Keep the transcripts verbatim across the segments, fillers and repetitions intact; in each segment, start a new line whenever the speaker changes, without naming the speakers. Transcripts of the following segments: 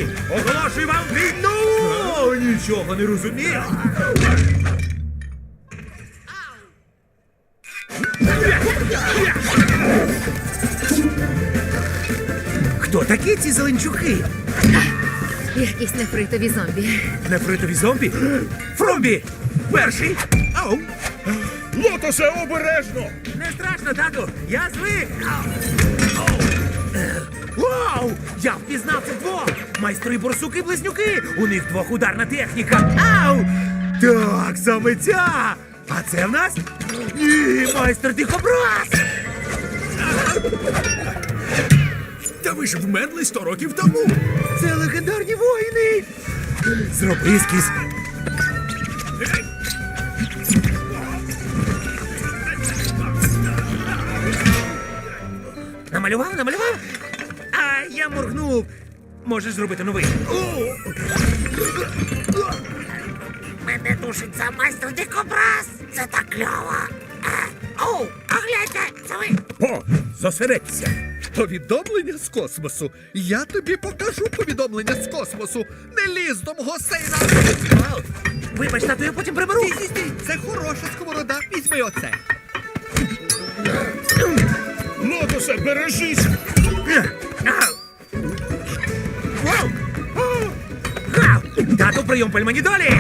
зомбі! Оголошую вам війну! О, нічого не розумію! Хто такі ці зеленчуки?
Якісь нефритові зомбі.
Нефритові зомбі? Фромбі! Перший! Ау!
Лотосе, обережно!
Не страшно, тату! Я звик! Вау! Я впізнав цих двох! Майстри борсуки-близнюки! У них двохударна техніка! Ау! Так, саме ця! А це в нас? Ні, майстер дихобраз!
Та ви ж вмерли сто років тому!
Це легендарні воїни! Зроби ескіз! Намалював, намалював? А я моргнув. Можеш зробити новий. Мене душить за майстер дикобраз. Це так кльово. Оу, а гляньте, це ви.
О, зосередься! Повідомлення з космосу. Я тобі покажу повідомлення з космосу. Не ліз до мого сейна.
Вибач, тату, я потім приберу.
Стій, стій, стій. Це хороша сковорода. Візьми оце. Лотосе, бережись.
Вау! Гав! Тату, прийом пельмені долі!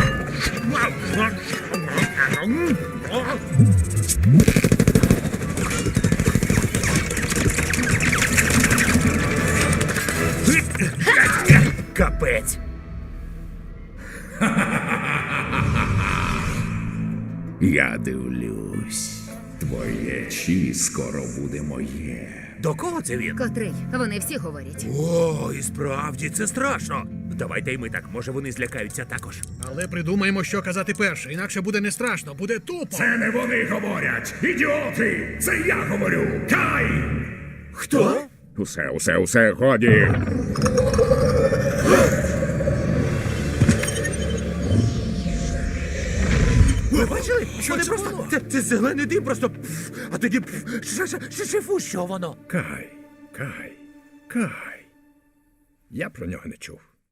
Капець!
Я дивлюсь, твоє чі скоро буде моє.
До кого це він?
Котрий? Вони всі говорять.
О, і справді, це страшно. Давайте й ми так, може вони злякаються також.
Але придумаємо, що казати перше, інакше буде не страшно, буде тупо.
Це не вони говорять, ідіоти! Це я говорю! Кай!
Хто?
Усе, усе, усе, годі!
Ви бачили? Що вони просто... Це, це зелений дим просто... пф, а тоді... пф, ш- ш- ш- шифу, що воно?
Кай, Кай, Кай. Я про нього не чув.